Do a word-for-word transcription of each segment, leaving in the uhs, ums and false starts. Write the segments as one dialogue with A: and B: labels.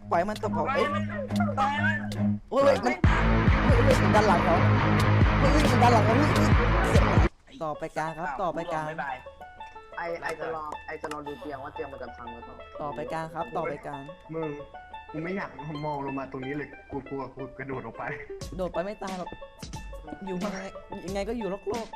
A: ปล่อยมันตกเขาเอ้ย
B: ตายมัน
A: โอ้ยมันเฮ้ยเฮ้ยมันดันหลังเขาเฮ้ยมันดันหลังเขาเฮ้ยต่อไปกลางครับต่อไปกลาง
C: ไอไอจะรอไอจะรอดูเตียงว่าเตียงมันจะพังหรือเปล่า
A: ต่อไปกลางครับต่อไปกลาง
D: มึงกูไม่อยากมองลงมาตรงนี้เลยกูกลัวกูกระโดดออกไป
A: โดดไปไม่ตายหรอกอยู่ยังไงยังไงก็อยู่โลกโลก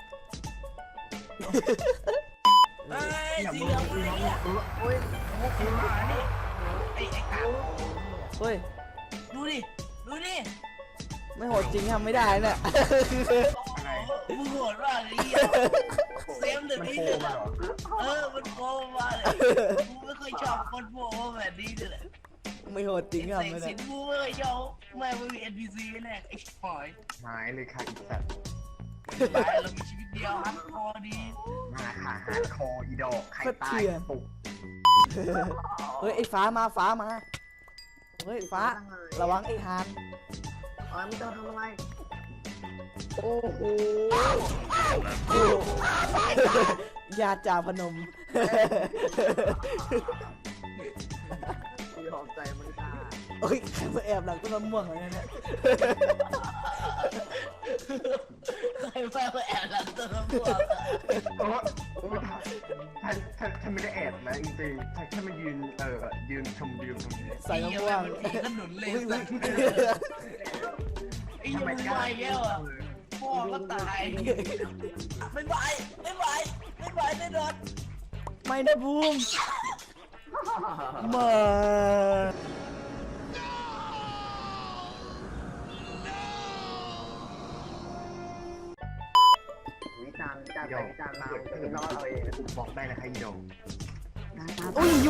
B: เฮ้ย
D: อย่า
B: สี
D: มึง
B: เหลือง
D: มึง
B: เนี่ย
D: เออโอ้ย
B: มุกขึ้นมานี่ไอ้ไอ้กา
A: เฮ้ย
B: ดูดิดูดิ
A: ไม่โหดจริงทำไม่ได้เนี่ย
D: อะไร
B: มึงโหดมากเลยเซมเดือด
D: มัน
B: นี่
D: โผ
B: เดื
D: ล่
B: อด
D: มาเหรอ
B: เออมันโกงมาเลยกูไม่เคยชอบคนโผล่แบบนี้เลย
A: ไม่โหดจริง
B: เส
A: ทำ
B: ก
A: ไม่ได้
B: สินกูไม่เคยชอบแม่มึงมี เอ็น พี ซี แน่ไอ้หอย
D: หายเลยค่ะอีสัตว์
B: ไปเรามีชีวิตเดียวฮัทคอดี
D: มาขาหาคออีดอกไข่ตายปุก
A: เฮ้ยไอ้ฟ้ามาฟ้ามาเฮ้ยฟ้าระวังไอ้ฮาน
C: เออมึงจะทำอะไร
A: โอ้โหญาติจ่าพนม
C: กูยอมใจมันค่ะ
A: เฮ้ยใครมาแอบหลังต้นมะม่วงอะไรเนี่ย
B: ใครมาแอบหลังต้นมะม่วง
D: โอ้โอ้ท่านท่านท่านไม่ได้แอบนะจริงๆท่านแค่มายืนเออยืนชมวิวตรงนี้
A: ใส่มะม่วง
B: มันผีขนุนเลย
A: อุ้ย
B: สัตว์ไอ้ยังไม่ไหวแล้วอ่ะพ่อก็ตายไม่ไหวไม่ไหวไม่ไหวแน่นอน
A: ไม่นะบูมมา
C: วิจารณ์วิจารณ์ไปวิจารณ์มาจะไม่รอดเอาเอง
D: บอกได้นะคะอีดอก
A: อุ้ยยู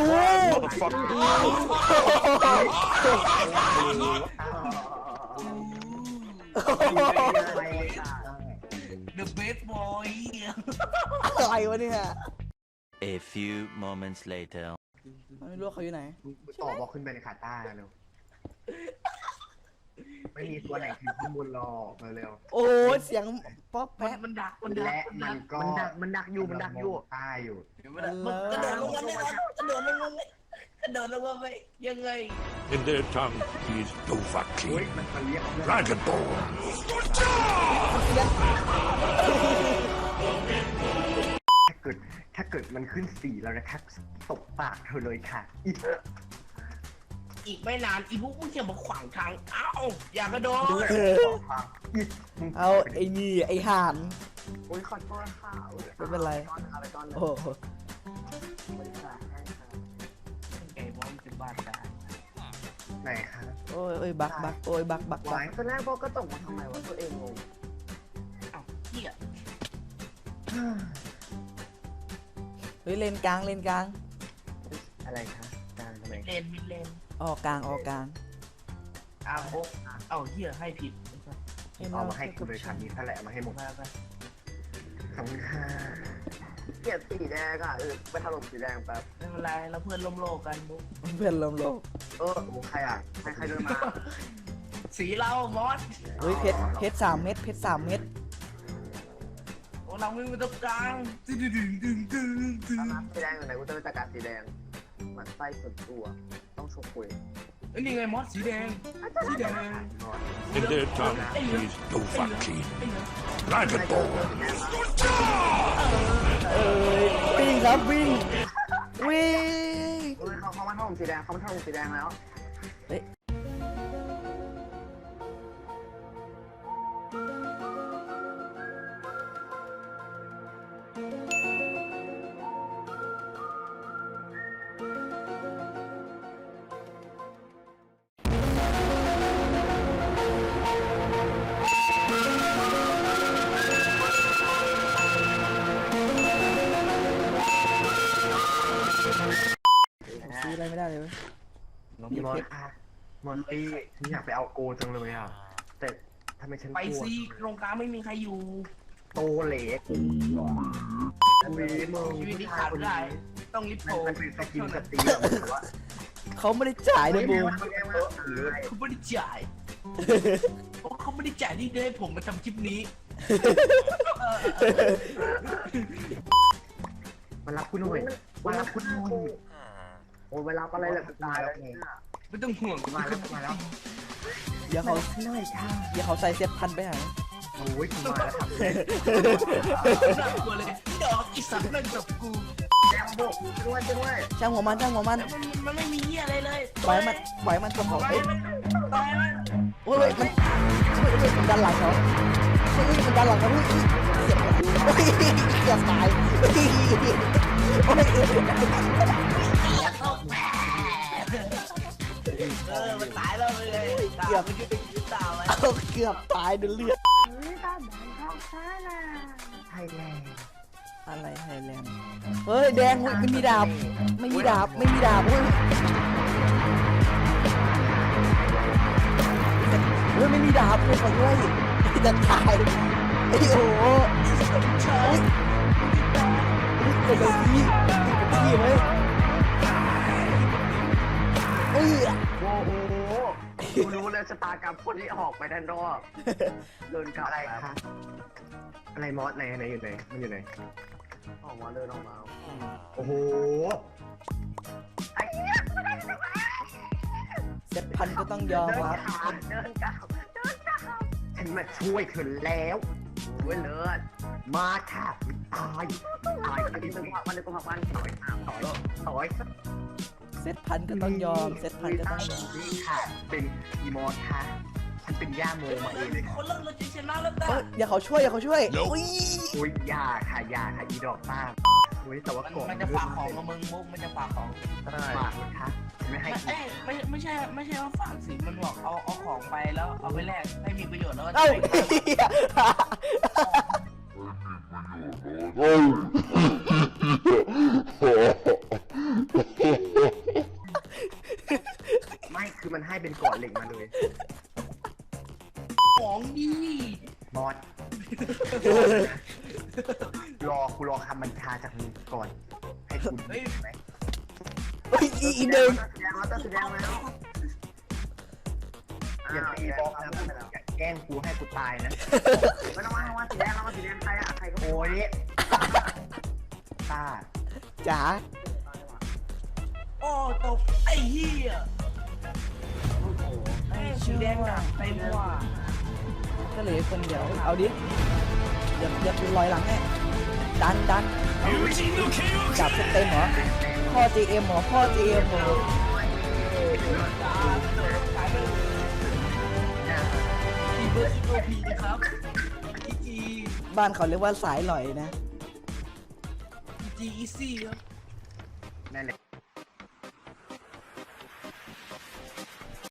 B: เดอะเบสบอย
A: อะไรวะเนี่ย
E: A few moments later.
A: ไม่รู้ว่าเขาอยู่ไหน
D: ต่อบอกขึ้นไปในขาต้าเร็วไม่มีตัวไหนคือข้างบนหรอกเร็ว
A: โอ้ยเสียงป๊อป
B: มัน
A: แป๊ะ
B: มันดักมันดั
D: และ
B: ก
D: มันก็
C: มันดักมันดักอยู่มันดักอยู่
D: ใต้อยู่
B: มันกระโดดลงมาแน่นอนกระโดดลงมาไม่กระโดดลงมาไม่ยังไง
F: In their tongue, he is
D: โอ้ย
F: Dovahki,
D: มันมันเรียก
F: Dragonborn.
D: ถ้าเกิดถ้าเกิดมันขึ้นสี่แล้วนะคะตบปากเธอเลยค่ะอีก
B: อีกไม่นานอีพวกมึงจะมาขวางทางเอ้าอย่ากระโดด
D: อีกมึง
A: เอาไอ้นี่ไอ้ห่าน
C: โอ้ยขอโทษค่ะ
A: ไม่เป็นไร
C: อะไรตอน
A: โอ้โห
B: ไอ้บอลจะบาดตาย
D: ไหนคะ
A: โอ้ยโอ้ยบักบักโอ้ยบักบักบั
D: วาก ย
C: ตอนแรกพวกก็ตกมาทำไมวะตัวเองงง
B: เอ้าเหี้ย
A: เฮ้ยเลนกลางเลนกลาง
C: อะไรคะการทำไม
B: เลนมิดเลน
A: ออกกลางออกกลาง
B: อ้าวโอ๊ะเอ้าเหี้ยให้ผิด
D: เอามาให้กูเลยค่ะมีแผลมาให้หมด
B: มาไป
D: ขอบคุณค่ะ
C: เกลียดสีแดงอ่ะเออไปถล่มสีแดงแป๊บ
B: ไม่เป็นไรเราเพื่อนร่วมโลกกันบุ๊ค
A: เพื่อนลมโลก
C: เออใครอ่ะใครใครเดินมา
B: สีเรามอส
A: เฮ้ยเพชรเพชรสามเม็ดเพชรสามเม็ด
B: โอ้เราไม่มีตรงกลางดึงดึงดึงดึงดึง
C: สีแดงอยู่ไหนกูจะไปจัดการสีแดงมันไส้ส่วนตัวต้องชกคุย
B: เอ้ยนี่ไงมอสสีแดงสีแดง
F: In their tongue, he is Dovahki,
C: ใครเดิน
F: Dragonborn.
C: สีแดงมา
A: เอ้ยวิ่งครับวิ่งวิ่ง
C: เฮ้ยเขาเขามาถล่มสีแดงเขามาถล่มสีแดงแล้ว
A: เฮ้ยซื้ออะไรไม่ได้เลยเว้ย
D: มีมอสค่ะมอนตี้ฉันอยากไปเอาโกจังเลยอ่ะแต่ทำไมฉัน
B: ไป
D: กลัว
B: ซีตรงกลางไม่มีใครอยู่
D: โตเหล็กอุ้ยมึง
B: ชีวิตนี้ขาดไม่ได้ ต้องลิฟต์โผล่
D: มันเป็นสกินสตรีมแต่ว่า
A: เขาไม่ได้จ่ายนะบูม
B: เขาไม่ได้จ่ายเพราะเขาไม่ได้จ่ายที่ได้ผมมาทำคลิปนี้
D: มันรับคุณหน่อยมันรับคุณหน่อย
C: โอ้เวลาอะไรแหละกูตายแล้ว
B: ไม่ต้องห่วง
D: มาแล้วมาแล้ว
A: เดี๋ยวเขา
D: หน่อยค่ะ
A: เดี๋ยวเขาใส่เซ็ตพันไปหา
D: โอ้ยกูมาแล้วครับ
B: น่ากลัวเลยดอกอีสัตว์นั่นกับกู
C: แดงบุกด้วยด้วย
A: ช่างหัวมันช่างหัวมัน
B: แต่มันมันไม่มีเหี้ยอะไรเลย
A: ปล่อยมันปล่อยมันตัวเขา
B: ตาย
A: เอ้ย
B: มันตายมัน
A: โอ้ยมันเฮ้ยเฮ้ยมันดันหลังเขาเฮ้ยมันดันหลังเขาเฮ้ยเฮ้ยเกือบตายเฮ้ยโอ้ย
B: เข้าแผลเออมันตายแล้วเลยเกือบมันจะยืนตาไว้
A: เอาเกือบตายดูเลือด
D: ไทยแลนด์
A: อะไรไฮแลนด์เฮ้ยแดงเฮ้ยไม่มีดาบไม่มีดาบไม่มีดาบเฮ้ยเฮ้ยไม่มีดาบเลยขอด้วยจะตายไอ้โอ้โหเฮ้ยเป็นแบบนี้เป็นที่ไหมเอ้ย
C: โอ้โหกูรู้เลยชะตากรรมคนที่ออกไปด้านนอกเดินกลับ
D: อะไรคะอะไรมอสไหนไหนอยู่ไหนมันอยู่ไหน
C: ออกมาเดินออกมา
D: โอ้โห
A: เซ็ตพันก็ต้องยอม
C: เดิน
A: ครับ
C: กลับเดินกลับเดินกลับ
D: ฉันมาช่วยเธอแล้ว
C: โอ้ยเลิศ
D: มาค่ะตาย
C: ตายอันนี้เป็นความมันเป็นความมันถอยถอย
D: ต่อยต่อย
A: เซ็ตพันก็ต้องยอมเซ็ตพันก็ต้องยอม
D: นี่ค่ะ เป็นอีมอสค่ะ ฉันเป็นย่าโมมาเองเลยค่ะ
B: คนเราเราจะชนะแล้วตา
A: เฮ้ยอย่าเขาช่วยอย่าเขาช่วยอุ้ย
D: โอ้ยยาค่ะยาค่ะอีดอกต้าโอ้ยแต่ว่า
B: มัน
D: ก่อน
B: มันจะฝากของกับมึงมุกมันจะฝากของ
D: ฝากนะคะไม่ให้
B: ไม่
D: กิน
B: เอ้ยไม่ไม่ใช่ไม่ใช่ว่าฝากสิมันบอกเอาเอาของไปแล้วเอาไปแลกให้มีประโยชน์แล้วก็จะ
A: เอ้า
B: ไป
D: ไม่คือมันให้เป็นก่อนเหล็กมาเลย
B: ของดี
D: มอสรอกูรอคำบัญชาจากมึงก่อน ให้คุณ
B: เฮ้ย
D: ไหม
A: เฮ้ยอีอีเดิม
C: แดงแล้วตัวสีแดงแล้ว
D: อย่าตีบล็อกนะอย่าแกล้งกูให้กูตายนะ
C: ไม่ต้องมาว่าสีแดงแล้วมาสีแดงใครอ่ะใครก็
D: โอ้ยตา
A: จ๋า
B: โอ้ตกไอ้เหี้ยไอ้สีแดงหนักเต็มว่ะ
A: ก็เหลือคนเดียวเอาดิอย่าอย่าเป็นรอยหลังแน่ดันดันจับเต็มเหรอพ่อ จี เอ็ม เหรอพ่อ จี เอ็ม เหรอ
B: พีเบอร์อีโอพีนะครับอีจี
A: บ้านเขาเรียกว่าสายหลอยนะ
B: อีจีอีซี่ครับ
D: นั่นแหละ